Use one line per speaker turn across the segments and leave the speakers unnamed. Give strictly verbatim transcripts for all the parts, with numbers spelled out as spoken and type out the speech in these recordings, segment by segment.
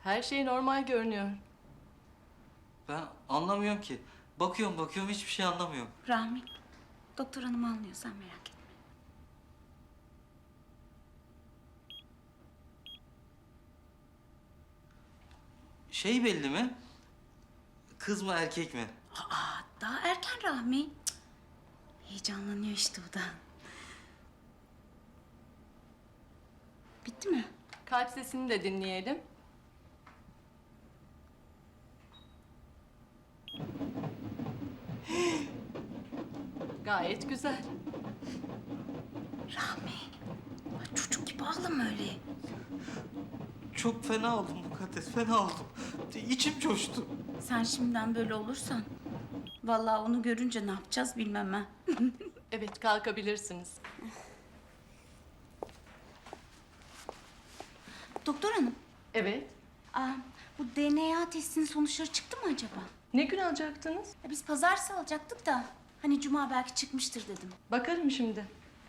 Her şey normal görünüyor.
Ben anlamıyorum ki. Bakıyorum bakıyorum hiçbir şey anlamıyorum.
Rahmi, doktor hanım anlıyor, sen merak etme.
Şey belli mi? Kız mı erkek mi?
Aa, daha erken Rahmi. Cık. Heyecanlanıyor işte o da. Bitti mi?
Kalp sesini de dinleyelim. Gayet güzel.
Rahmi, ay çocuk gibi ağlama öyle.
Çok fena oldum Mukaddes, fena oldum. İçim coştu.
Sen şimdiden böyle olursan... ...vallahi onu görünce ne yapacağız bilmem ha.
Evet, kalkabilirsiniz.
Doktor hanım,
Evet.
aa, bu D N A testinin sonuçları çıktı mı acaba?
Ne gün alacaktınız?
Ya biz pazartesi alacaktık da... ...hani cuma belki çıkmıştır dedim.
Bakarım şimdi.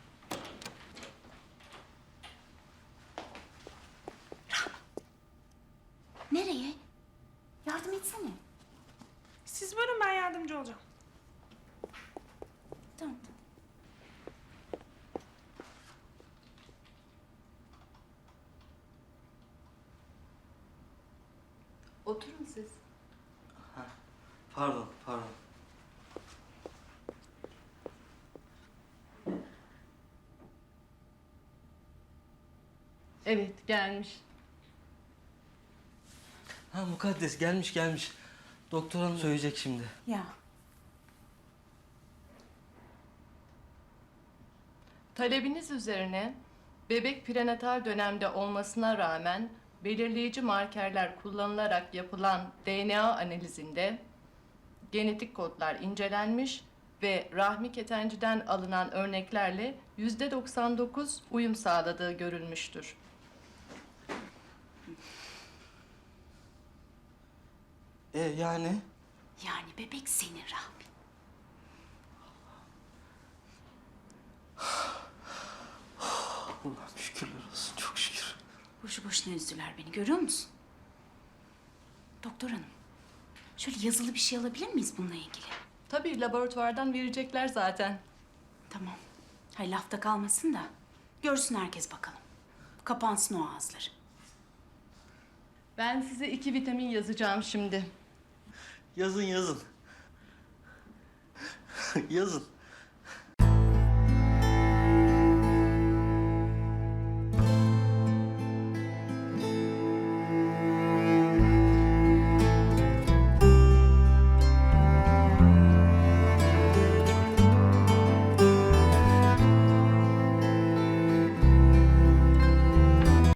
Nereye? Yardım etsene.
Siz buyurun, ben yardımcı olacağım.
Tamam.
Oturun siz.
Pardon, pardon.
Evet, gelmiş.
Ha Mukaddes gelmiş gelmiş. Doktor hanım söyleyecek şimdi.
Ya.
Talebiniz üzerine bebek prenatal dönemde olmasına rağmen belirleyici markerler kullanılarak yapılan D N A analizinde genetik kodlar incelenmiş ve rahmi ketenciden alınan örneklerle yüzde doksan dokuz uyum sağladığı görülmüştür.
E yani?
Yani bebek senin Rahmi.
Allah'ım şükürler olsun, çok şükür.
Boşu boşuna üzdüler beni, görüyor musun? Doktor hanım, şöyle yazılı bir şey alabilir miyiz bununla ilgili?
Tabii laboratuvardan verecekler zaten.
Tamam. Hay lafta kalmasın da görsün herkes bakalım. Kapansın o ağızları.
Ben size iki vitamin yazacağım şimdi.
Yazın yazın. Yazın.